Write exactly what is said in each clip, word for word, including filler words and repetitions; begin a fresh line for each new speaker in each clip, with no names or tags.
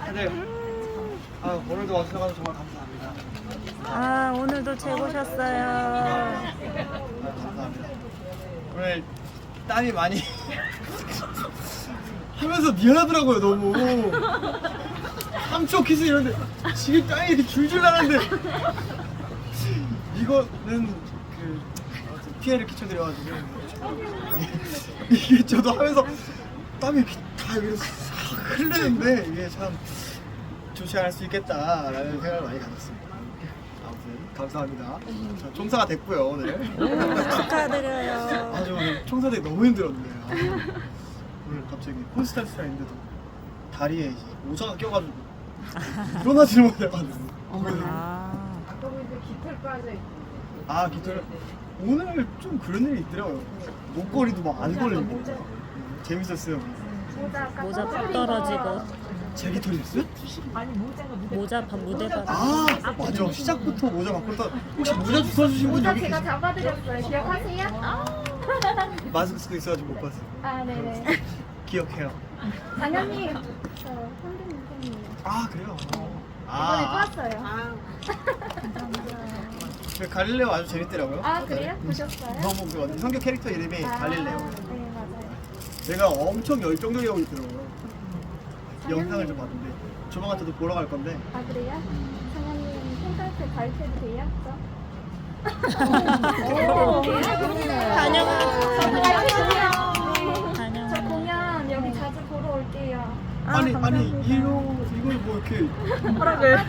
다들 아, 오늘도 와주셔서 정말 감사합니다.
아, 오늘도 최고셨어요.
아, 감사합니다. 오늘 땀이 많이 하면서 미안하더라고요, 너무. 삼 초 키스 이런데 지금 땀이 이렇게 줄줄 나는데 이거는 그 피해를 끼쳐드려가지고 이게 저도 하면서 땀이 이렇게 다 여기서 싹 흐르는데 이게 참 좋지 않을 수 있겠다라는 생각을 많이 가졌습니다. 아무튼 감사합니다. 자, 총사가 됐고요, 오늘.
축하드려요.
아주 오늘 총사되기 너무 힘들었네요. 오늘 갑자기 콘스탄스가 있는데도 다리에 이제 모자가 껴가지고 일어나지를 못해가지고.
아,
아, 깃털 오늘 좀 그런 일이 있더라고요. 목걸이도 막 안 걸리고 재밌었어요.
모자 푹 떨어지고
제 깃털이었어요?
모자 바- 무대 받아.
아, 맞아. 시작부터 모자 바꿨다. 혹시 모자 주워주신 분
모자
여기
제가
계세요?
잡아드렸어요. 기억하세요? 아,
마스크 있어가지고 못 봤어요.
아 네네.
기억해요.
장현님, 저 선배님 팬이에요.
아, 그래요?
이번에
아,
또 왔어요.
그 갈릴레오 아주 재밌더라고요.
아 그래요? 보셨어요?
너무 그 완전 성격 캐릭터 이름이
아,
갈릴레오.
네 맞아요.
제가 엄청 열정적이라고 있더라고요. 영상을 좀 봤는데 조만간 저도 보러 갈 건데.
아 그래요? 장현님 콘서트 가르쳐도 돼요?
다녀가.
저 공연 여기 자주 보러 올게요.
아니 아니
감사합니다.
이거 이걸 뭐 이렇게
허락을.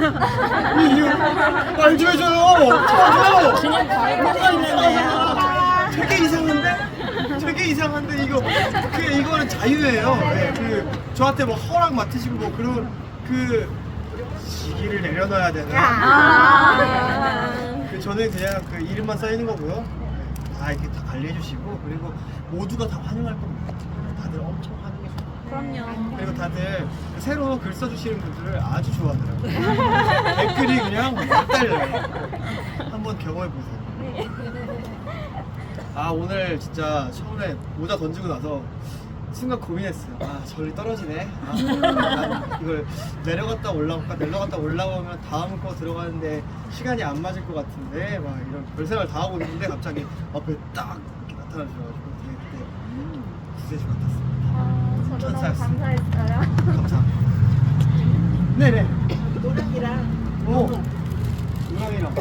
말좀 해줘요. 쳐줘.
그냥 가입하고 있는데요.
되게 이상한데? 되게 이상한데 이거 그 이거는 자유예요. 네, 그 저한테 뭐 허락 맡으시고 뭐 그런 그 시기를 내려놔야 되나?
아.
그 저는 그냥 그 이름만 써 있는 거고요. 네, 다 이렇게 다 관리해 주시고 그리고 모두가 다 환영할 겁니다. 다들 엄청 환영해 주고.
그럼요.
그리고 다들 그 새로 글 써주시는 분들을 아주 좋아하더라고요. 댓글이 그냥 막 달려요. 한번 경험해 보세요. 아, 오늘 진짜 처음에 모자 던지고 나서 순간 고민했어요. 아, 저리 떨어지네. 아, 난 이걸 내려갔다 올라올까 내려갔다 올라오면 다음 거 들어가는데 시간이 안 맞을 것 같은데 막 이런 별 생각을 다 하고 있는데 갑자기 앞에 딱 이렇게 나타나셔가지고 되게 그때 구세주 같았어요.
아, 저도 너무
천사였습니다.
감사했어요.
감사합니다. 네네.
노랑이랑
오. 노랑이랑.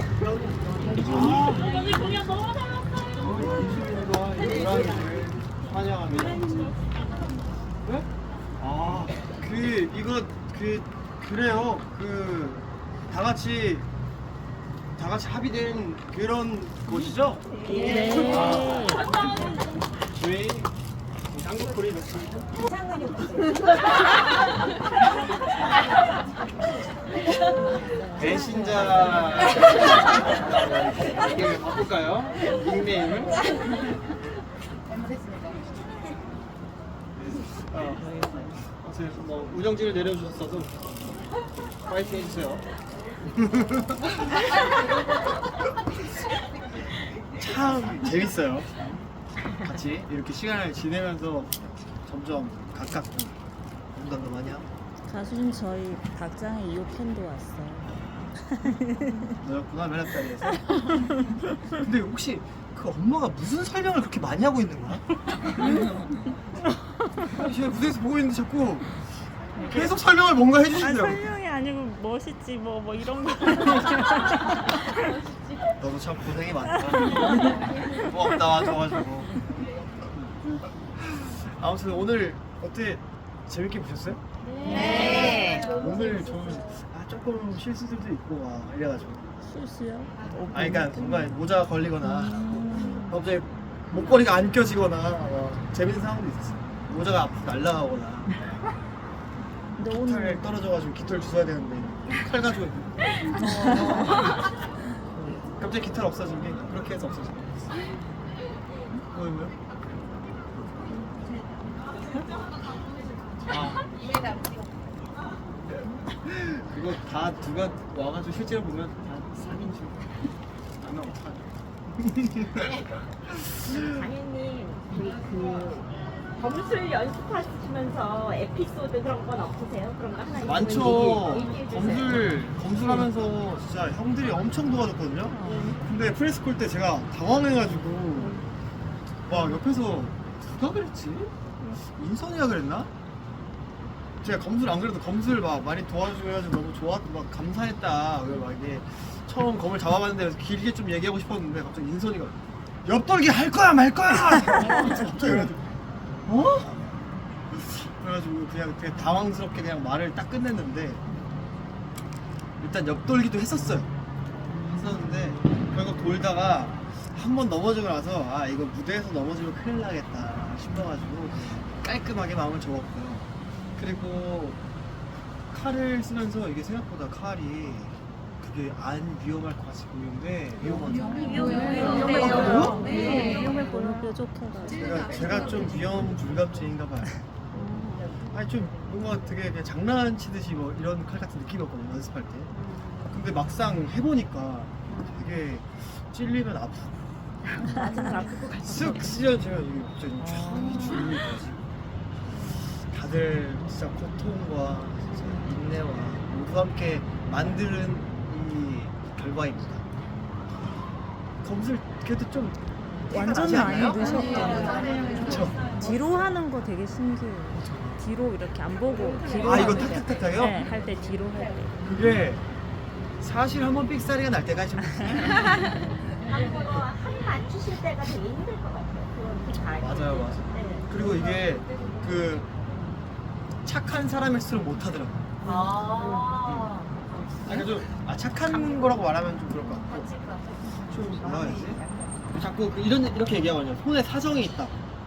여기 공연 너무 잘했어요.
이수민과 노랑이를 환영합니다. 네? 아, 그 이거 그 그래요. 그 다 같이 다 같이 합의된 그런 곳이죠?
네.
저희 한국 코리
상관이 없어요.
배신자 이렇게 바꿀까요? 닉네임을? 어, 아무튼 뭐 우정지를 내려주셨어도 파이팅 해주세요. 참 재밌어요. 같이 이렇게 시간을 지내면서 점점 가깝고 공감도 많이 하고.
가수님 저희 박장의 이호 팬도 왔어요.
너였구나 맨학다리에서. 근데 혹시 그 엄마가 무슨 설명을 그렇게 많이 하고 있는 거야? 아니, 제가 무대에서 보고 있는데 자꾸 계속 설명을 뭔가
아,
해주시더라고.
설명이 아니고 멋있지 뭐 뭐 이런 거.
너도 참 고생이 많다. 뭐 없다 와줘가지고. 아무튼 오늘 어때 재밌게 보셨어요?
네.
오늘 좀 아, 조금 실수들도 있고 막 이래가지고.
실수요?
아니 그러니까 뭔가 모자가 걸리거나
음.
갑자기 목걸이가 안 껴지거나 뭐 재밌는 상황도 있었어요. 모자가 앞으로 날아가거나
근데
깃털
오늘
떨어져가지고 깃털 주워야 되는데 칼 가지고 있는 갑자기 깃털 없어진 게 그렇게 해서 없어진 거였어. 뭐요 뭐요? 아. 그거 다 누가 와가지고 실제로 보면 다 삼 인줄 아마 어떡하죠.
장현님, 저희 그 검술 연습하시면서 에피소드 그런 건 없으세요? 그런 거 하나
많죠. 검술 검술하면서 진짜 형들이 엄청 도와줬거든요. 근데 프레스콜 때 제가 당황해가지고 막 옆에서 누가 그랬지? 인선이가 그랬나? 제가 검술 안 그래도 검술 막 많이 도와줘가지고 너무 좋았, 막 감사했다. 그래서 막 이게 처음 검을 잡아봤는데 길게 좀 얘기하고 싶었는데 갑자기 인선이가 옆돌기 할 거야 말 거야. 갑자기 그래가지고 어? 그래가지고 그냥 되게 당황스럽게 그냥 말을 딱 끝냈는데 일단 옆돌기도 했었어요. 했었는데 결국 돌다가 한 번 넘어지고 나서 아 이거 무대에서 넘어지면 큰일 나겠다 싶어가지고 깔끔하게 마음을 접었고요. 그리고 칼을 쓰면서 이게 생각보다 칼이 그게 안 위험할 것 같이 보이는데 위험하죠.
위험해요.
네.
위험해 보는 뾰족해가지고.
제가 제가 좀 위험 불감증인가 봐요. 아니 좀 뭔가 되게 그냥 장난치듯이 뭐 이런 칼 같은 느낌이었거든요 연습할 때. 근데 막상 해보니까 되게 찔리면 아프고 쓱 찢어져요. 이게 갑자기 쫙 줄이 가지고 다들 진짜 고통과 진짜 인내와 모두 함께 만드는 이 결과입니다. 검술 그래도 좀
완전 많이 넣으셨잖아요.
그쵸?
뒤로 하는 거 되게 신기해요. 뒤로 이렇게 안 보고 뒤로
아 이거
하는 게.
탁탁탁탁요?
네, 할 때 뒤로 할 때.
그게 사실 한번 삑사리가 날 때가 있어요.
한국어 한 맞추실 때가 되게 힘들 것 같아요. 그런 잘.
맞아요, 맞아요.
네.
그리고 이게 그 착한 사람일수록 못하더라고요.
아.
그러니까 좀 아, 착한 거라고 말하면 좀 그럴 것 같고 좀 뭐라 해야지? 자꾸 그 이런 이렇게 얘기하거든요. 손에 사정이 있다.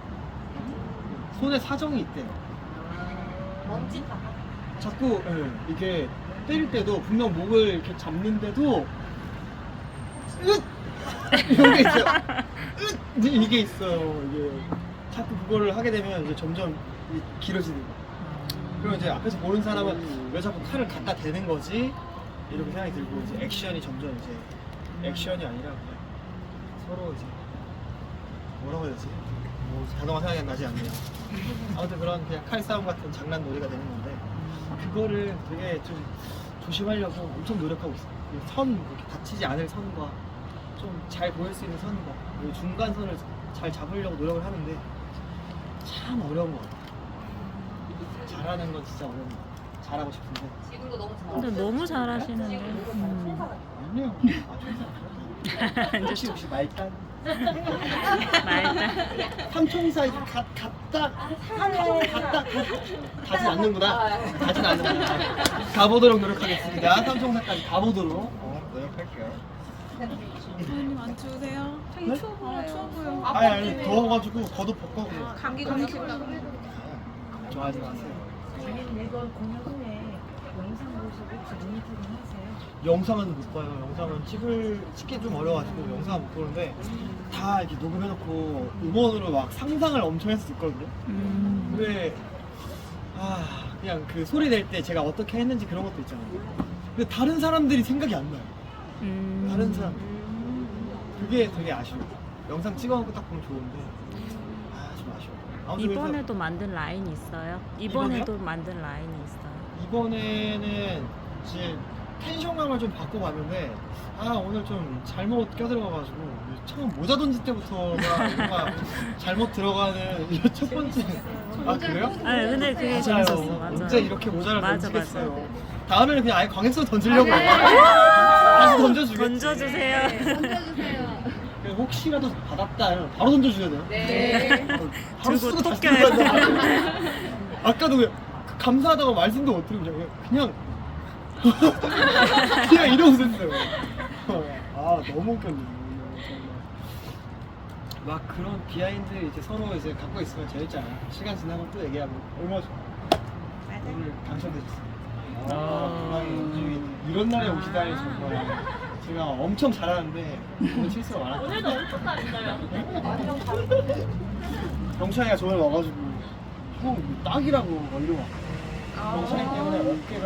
손에 사정이 있대.
먼지 다.
자꾸 예, 이게 때릴 때도 분명 목을 이렇게 잡는데도 으ꯠ 이런 게 있어요. 으ꯠ 이게 있어요. 이게 자꾸 그거를 하게 되면 이제 점점 이- 길어지는 거. 그리고 이제 앞에서 보는 사람은 왜 자꾸 칼을 갖다 대는 거지? 이렇게 생각이 들고 이제 액션이 점점 이제 액션이 아니라 그냥 서로 이제 뭐라고 해야 되지? 뭐 단어가 생각이 안 나지 않네요. 아무튼 그런 그냥 칼싸움 같은 장난 놀이가 되는 건데 그거를 되게 좀 조심하려고 엄청 노력하고 있어요. 그 선, 이렇게 다치지 않을 선과 좀 잘 보일 수 있는 선과 그리고 중간선을 잘 잡으려고 노력을 하는데 참 어려운 것 같아요. 잘하는 건 진짜 어려운 것 같아요. 잘하고 싶은데
근데 너무 잘하시는데. 음.
아니요. 아,
이제
혹시 혹시 말단?
말단.
삼총사 이렇게 가, 갔다 삼총 갔다 가진 않는구나. 가진 않는구나. 가보도록 노력하겠습니다. 삼총사까지 가보도록 어, 노력할게요.
선생님 안 추우세요? 되게
네?
추워 보여요. 추워 보여.
아니 아니 더워가지고 겉옷 벗고 그냥
감기 걸리신다고.
좋아하지 마세요.
저희는 이건 공연 후에 영상 보시고 모니터링 하세요.
영상은 못 봐요. 영상은 찍을 찍기 좀 어려가지고 영상은 못 보는데 다 이렇게 녹음해놓고 음원으로 막 상상을 엄청 해서 듣거든요.
음.
근데 아 그냥 그 소리 낼 때 제가 어떻게 했는지 그런 것도 있잖아요. 근데 다른 사람들이 생각이 안 나요.
음.
다른 사람 그게 되게 아쉬워요. 영상 찍어놓고 딱 보면 좋은데 아 좀 아쉬워. 아무튼 그래서
이번에도 만든 라인이 있어요? 이번에도 만든 라인이 있어요.
이번에는 이제 텐션감을 좀 바꿔봤는데 아 오늘 좀 잘못 껴들어가가지고 처음 모자 던질 때부터가 뭔가 잘못 들어가는 이 첫 번째 아 그래요?
아니 근데 그게
맞아요.
재밌었어. 맞아.
언제 이렇게 모자를
맞아,
던지겠어요. 다음에는 그냥 아예 광역선 던지려고 해요. 다시 던져주겠지.
던져주세요.
그냥 혹시라도 받았다 이러면 바로 던져줘야 돼요.
네.
바로
들고
쓰고 다시
토껴야
들어간단 말이에요. 아까도 그냥 감사하다고 말씀도 못 드리고 그냥 그냥 그냥 이러고 있었어요. 아 너무 웃겼네. 정말. 막 그런 비하인드 이제 서로 이제 갖고 있으면 재밌잖아요. 시간 지나고 또 얘기하면 얼마나 좋아. 오늘 당첨되셨어요. 아, 정말 이런 날에 오시다니 정말 제가 엄청 잘하는데 오늘 실수가 많았어요.
오늘도 엄청 잘했어요.
경찬이가 저번에 와가지고 형 이거 딱이라고 막 이러고 왔어요. 경찬이 때문에 어깨가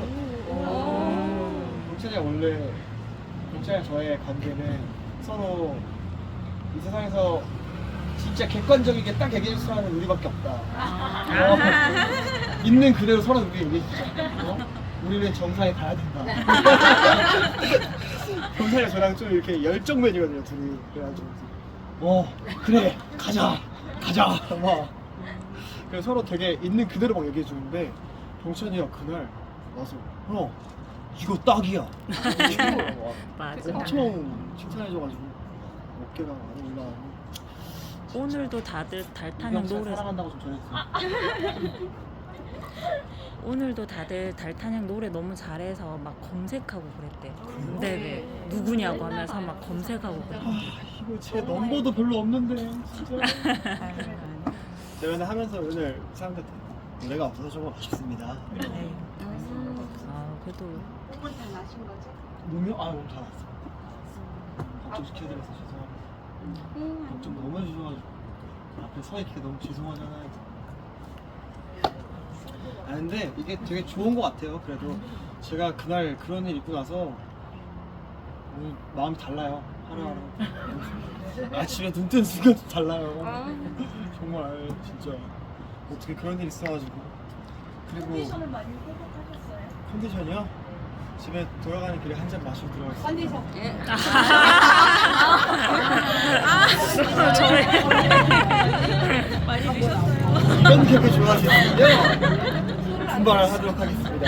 헐. 경찬이가 원래 경찬이랑 저의 관계는 서로 이 세상에서 진짜 객관적이게 딱 얘기해 줄 사람은 우리밖에 없다. 어. 있는 그대로 서로 우리 얘기해주자. 어? 우리는 정상에 가야 된다. 정상에 저랑 좀 이렇게 열정맨이거든요, 둘이. 그래가지고 어 그래 가자 가자 막. 그래서 서로 되게 있는 그대로 막 얘기해 주는데 병찬이가 그날 와서 형 이거 딱이야.
맞아.
엄청 칭찬해줘가지고 어깨가 많이 올라가고.
오늘도 다들 달타냥 노래
사랑한다고 좀 전해주세요.
오늘도 다들 달타냥 노래 너무 잘해서 막 검색하고 그랬대. 네네. 누구냐고 하면서 막 검색하고 그랬대.
아 이거 제 넘버도 별로 없는데 진짜. 제가 오늘 하면서 오늘 사람들한테 노래가 없어서 조금 아쉽습니다.
네. 아 그래도
몸은 다 나신 거죠?
몸이 아 몸 다 났어. 걱정시켜드려서 죄송합니다. 걱정 너무 해주셔가지고 앞에 서 있기 너무 죄송하잖아요. 아 근데 이게 되게 좋은 것 같아요. 그래도 제가 그날 그런 일 있고 나서 오늘 마음이 달라요. 하루하루. 아침에 눈 뜨는 순간 달라요. 정말 진짜 어떻게 그런 일이 있어가지고. 그리고
컨디션을 많이 회복하셨어요?
컨디션이요? 집에 돌아가는 길에 한 잔 마시고 들어가겠습니다.
컨디션.
많이 드셨어요.
이런 개그 좋아하시는군요. 분발을 하도록 하겠습니다.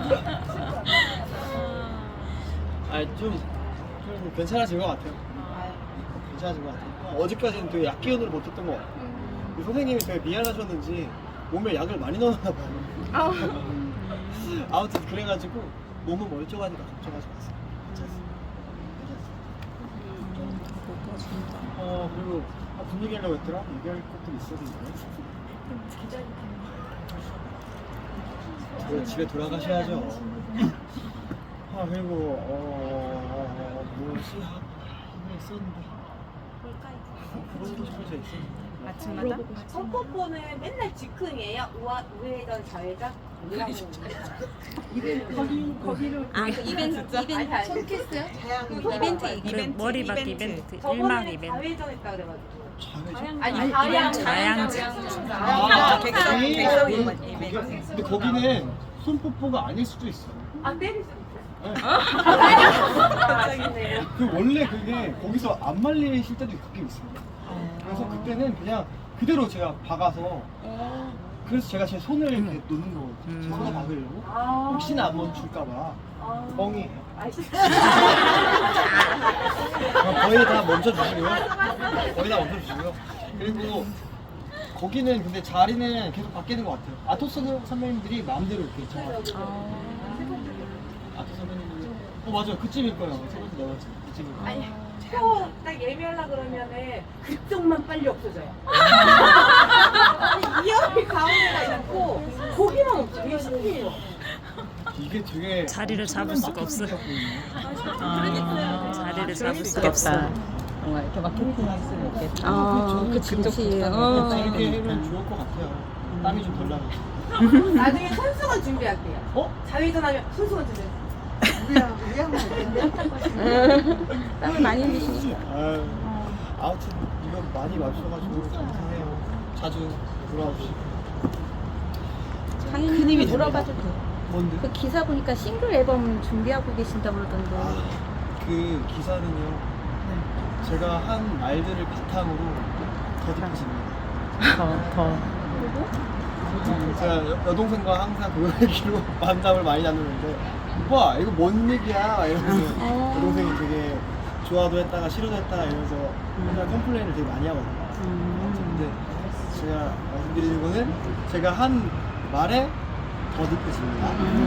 아좀 좀 괜찮아진 것 같아요. 괜찮아진 것 같아요. 어제까지는 되게 약 기운을 못했던 것 같아요. 그 선생님이 되게 미안하셨는지 몸에 약을 많이 넣었나 봐요. 아무튼 그래가지고 몸은 멀쩡하니까 걱정하지 마세요. 괜찮습니다. 어 그리고 아, 무슨 얘기하려고 했더라? 얘기할 것들이 있었는데 그 집에 돌아가셔야죠. 아 그리고 어... 뭐지? 하나 있었는데 물어보고 싶은 게 있었는데
아침마다?
선포포는 맨날 즉흥이에요? 우아, 우회전, 좌회전? 거기, 거기를
아,
이벤트, 이벤트.
손키스요?
이벤트,
그
이벤트,
머리박
이벤트.
이벤트, 일막
저번에는
이벤트.
좌회전 했다 그래가지고
자회전?
아니 좌양
좌양
아,
객석,
거기?
객석
거기-
이벤트.
거기- 근데 거기는 손뽀뽀가 아닐 수도 있어.
아 때릴 수 있어요?
네.
아, 아쉽네요.
그 원래 그게 거기서 안 말리실 때도 가끔 있어요. 그래서 그때는 그냥 그대로 제가 박아서 그래서 제가 제 손을 이렇게 놓는 거거든요. 제 손을 박으려고.
아,
혹시나 안 멈출까봐
아,
뻥이에요.
아쉽다.
아, 거의 다 멈춰주시고요. 거의 다 멈춰주시고요. 그리고 거기는 근데 자리는 계속 바뀌는 것 같아요. 아토스 선배님들이 마음대로 이렇게 정하죠. 아토스 선배님들이 어 맞아요. 그쯤일 거예요. 세 번째 네 번째 그쯤일 거예요.
아니 표딱 예매하려 그러면은 그쪽만 빨리 없어져요. 아니 이 옆이 가운데가 있고 거기만 없어. 이게 신기해요.
이게 되게
자리를 잡을 수가 없어요.
그러니까요.
자리를 잡을 수가 없어.
뭔가 이렇게 마케팅 할 수는 있겠다.
아, 그치, 그치.
이렇게
어.
하면 좋을 것 같아요. 땀이 좀 덜 나고.
나중에 손수건 준비할게요.
어?
좌회전하면 손수건 준비.
땀을 많이 흘리시니까.
아유, 아무튼 이거 많이 마셔가지고 감사해요. 자주 돌아와 주시고.
장인님이 돌아봐도 돼.
뭔데?
그 기사 보니까 싱글 앨범 준비하고 계신다고 그러던데.
아, 그 기사는요. 제가 한 말들을 바탕으로 더 딥해집니다.
더, 더.
제가 여, 여동생과 항상 그 얘기로 만남을 많이 나누는데 오빠 이거 뭔 얘기야? 이러면서 여동생이 되게 좋아도 했다가 싫어도 했다가 이러면서 맨날 컴플레인을 되게 많이 하거든요. 근데 제가 말씀드리는 거는 제가 한 말에 더 딥해집니다.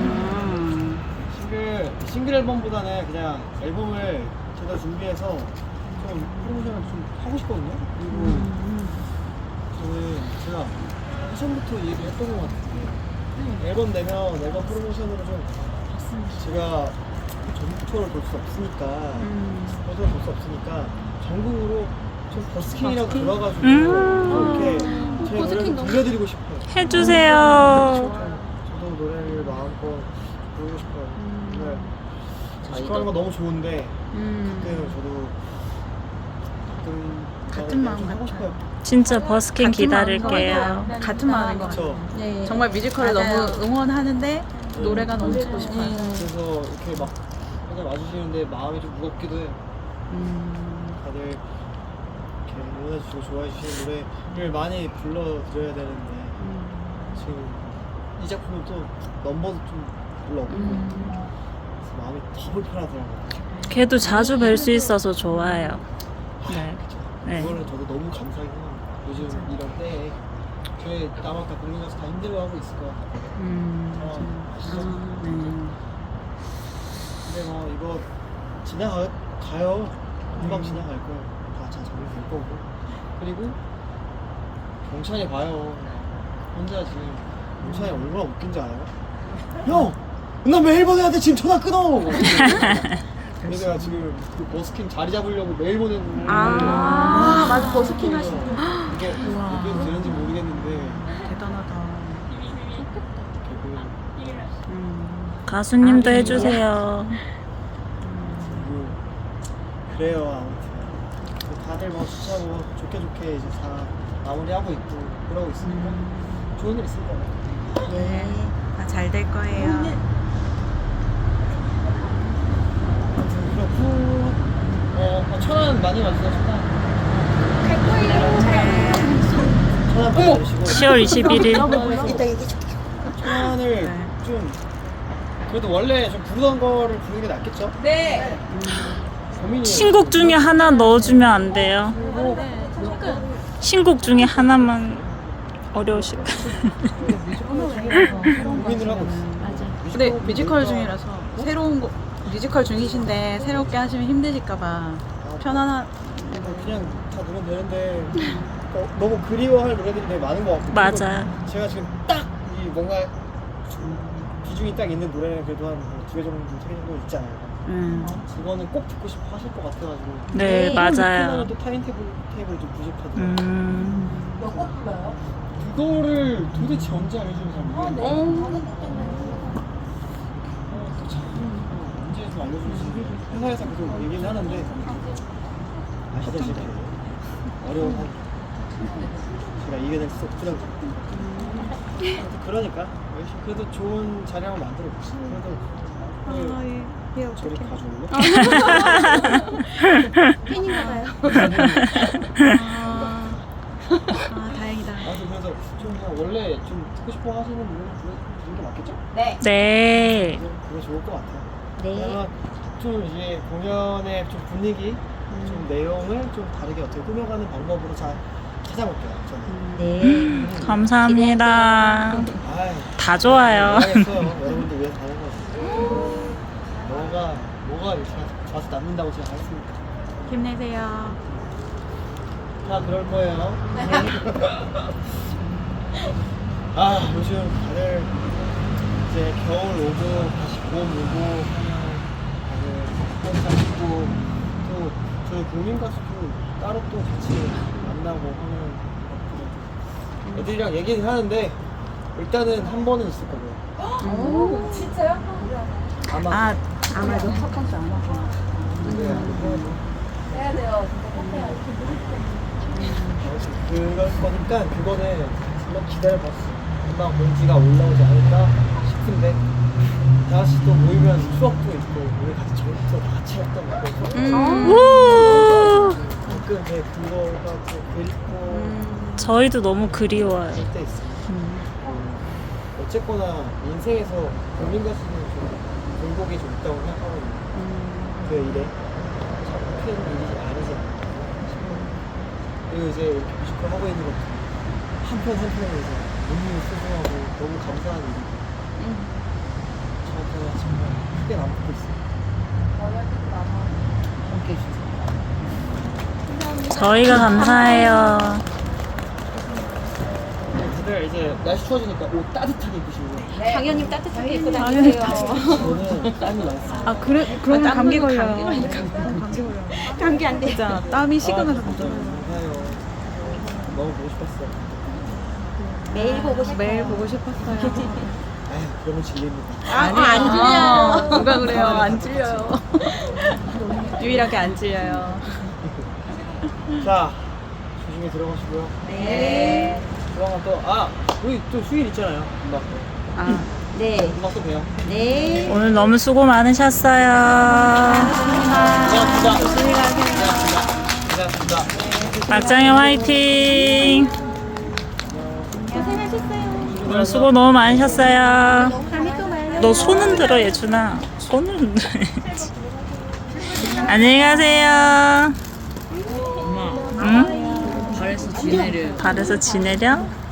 싱글, 싱글 앨범보다는 그냥 앨범을 제가 준비해서 좀 프로모션을 좀 하고 싶거든요. 그리고 저는 제가 처음부터 얘기했던 것 같은데 앨범 내면 앨범 프로모션으로 좀 제가 전국 투어를 볼 수 없으니까 콘서트를 볼 수 없으니까 전국으로 좀 버스킹이라고 들어가지고 좀 이렇게 제 노래를 들려드리고 싶어요.
해주세요.
저도 노래를 마음껏 부르고 싶어요. 정말 버스킹하는 거 너무 좋은데 그때는 저도 가끔
같은 마음
좀 하고
같아요.
싶어요.
진짜 버스킹
같은 마음인 것
기다릴게요.
같아요. 같은 마음인 것 같아요.
그쵸.
네.
정말 뮤지컬을
맞아요.
너무 응원하는데 노래가 너무 듣고 싶어요.
그래서 이렇게 막 항상 와주시는데 마음이 좀 무겁기도 해요.
음.
다들 이렇게 응원해주시고 좋아해주시는 노래를 많이 불러드려야 되는데 지금 이 작품은 또 넘버도 좀 별로 없고 그래서 마음이 더 불편하더라고요.
걔도 자주 뵐 수 있어서 좋아요. 네. 네.
그거는 저도 너무 감사하긴 해요. 요즘 이런 때에 저희 남아까 국민가서 다 힘들어하고 있을 거야.
음.
상황 아시죠?
네.
근데 뭐 이거 지나가 가요. 금방 지나갈 거예요. 다 잘 정리될 거고. 그리고 경찬이 봐요. 혼자 지금 경찬이 얼마나 웃긴지 알아요? 형! 나 매일 보내한테 지금 전화 끊어! 내가 지금 그 버스킹 자리 잡으려고 매일 보내는
아, 맞아. 버스킹
하시는
하시는
이게 이게 되는지 모르겠는데
대단하다.
결국은
가수님도 해주세요.
그리고 그래요. 아무튼 다들 뭐 수차고 좋게 좋게 이제 다 마무리하고 있고 그러고 있으니까 좋은 일 있을 거예요.
네. 다 잘 될 거예요.
아무튼 그렇고 어, 어 천안 많이 와주세요. 천안. 천안 많이 와주시고
시월 이십일일.
이따 얘기 줄게.
천안을 좀 그래도 원래 좀 부르던 거를 부르는 게 낫겠죠? 네. 고민이에요.
신곡 중에 하나 넣어주면 안 돼요? 신곡 중에 하나만 어려우실
고민을 하고 있어요.
근데 뮤지컬 중이라서 새로운 거 뮤지컬 중이신데 새롭게 하시면 힘드실까봐 편안한
그냥 다 노면 되는데 어, 너무 그리워할 노래들이 되게 많은 것 같고
맞아요.
그리고 제가 지금 딱 이 뭔가 좀 비중이 딱 있는 노래는 그래도 한 두 개 정도, 세 개 정도 있잖아요.
음.
그거는 꼭 듣고 싶어 하실 것 같아가지고
네, 맞아요.
하나는 또 타임테이블 테이블이 좀 부족하더라고요.
음.
그거를 도대체 언제 알려주는 사람이 어, 또참 언제 좀 알려주는지 회사에서 계속 얘기는 하는데 아시다시피 어려운 한 제가 이겨낼 수 없더라고요. 아무튼 그러니까 열심히 그래도 좋은 자리 한번 만들어 봅시다. 그래도 오늘 저리 가져올래?
팬인가봐요.
아, 아 다행이다.
아무튼 그래서 좀 그냥 원래 좀 듣고 싶어 하시는 노래를 부르는 게 맞겠죠?
네.
네.
그게 좋을 것 같아요.
네.
그러면 좀 이제 공연의 좀 분위기, 좀 내용을 좀 다르게 어떻게 꾸며가는 방법으로 잘 찾아볼게요. 저는.
네.
감사합니다.
아이,
다 좋아요.
알겠어요. 여러분들 위해서 하는 거지. 뭐가 뭐가 이렇게 좋아서 남는다고 제가 하겠습니까?
힘내세요.
다 그럴 거예요. 아 요즘 다들 이제 겨울 오고 다시 봄 오고 다들 콘서트 있고 또 저희 국민 가수도 따로 또 같이 만나고 하는 애들이랑 얘기는 하는데 일단은 한 번은 있을 거고요.
오, 진짜요?
아마
아, 아마도 첫 번째 안 하고.
네, 아니고
해야 돼요. 진짜 해야
그럴 거니까 그거는 한번 기다려봤어. 금방 공지가 올라오지 않을까 싶은데 다시 또 모이면 추억도 있고 우리 같이 저부터 다 같이 했던 거고
음.
우!
가끔 이제 그거가 또 그립고
저희도 너무 그리워요.
할 때 있어.
음.
음, 어쨌거나 인생에서 국민 가수는 좀 굴곡이 좀 있다고 생각하거든요. 그 일에 참 큰 일이 아니지 않나 싶어요. 그리고 이제 이렇게 뮤지컬 하고 있는 것도 한편 한편에서 너무 소중하고 너무 감사한 일이고 저한테는 정말 크게 남고 있어요. 함께 해주세요.
저희가 감사해요.
다들 이제 날씨 추워지니까 옷 따뜻하게 입으시고
당연히 따뜻하게 입고 다니세요.
저는 땀이 많습니다.
아 그래 그러면
아,
감기
땀
걸려.
감기
감기 걸려.
감기 안 돼.
진짜 땀이 식으면서
아, 진짜 감사해요. 너무 보고 싶었어요.
매일 보고 싶어요.
매일 보고 싶었어요.
아휴 그러면 질립니다.
아니요.
안 질려요.
누가 그래요? 안 질려요. 유일하게 안 질려요.
자 조심히 들어가시고요.
네.
조만간 또, 아, 우리 또 휴일 있잖아요. 금방 또.
아, 네.
금방 또 봬요.
네.
오늘 너무 수고 많으셨어요.
고생하셨습니다. 고생하셨습니다. 고생하셨습니다.
박장현 화이팅.
고생하셨어요.
오늘 수고 너무 많으셨어요.
다음에 또 봐요.
너 손은 들어 예준아. 손을 흔들어야지. 안녕히 가세요. 엄마. 응?
발에서 지내려.
발에서 지내려?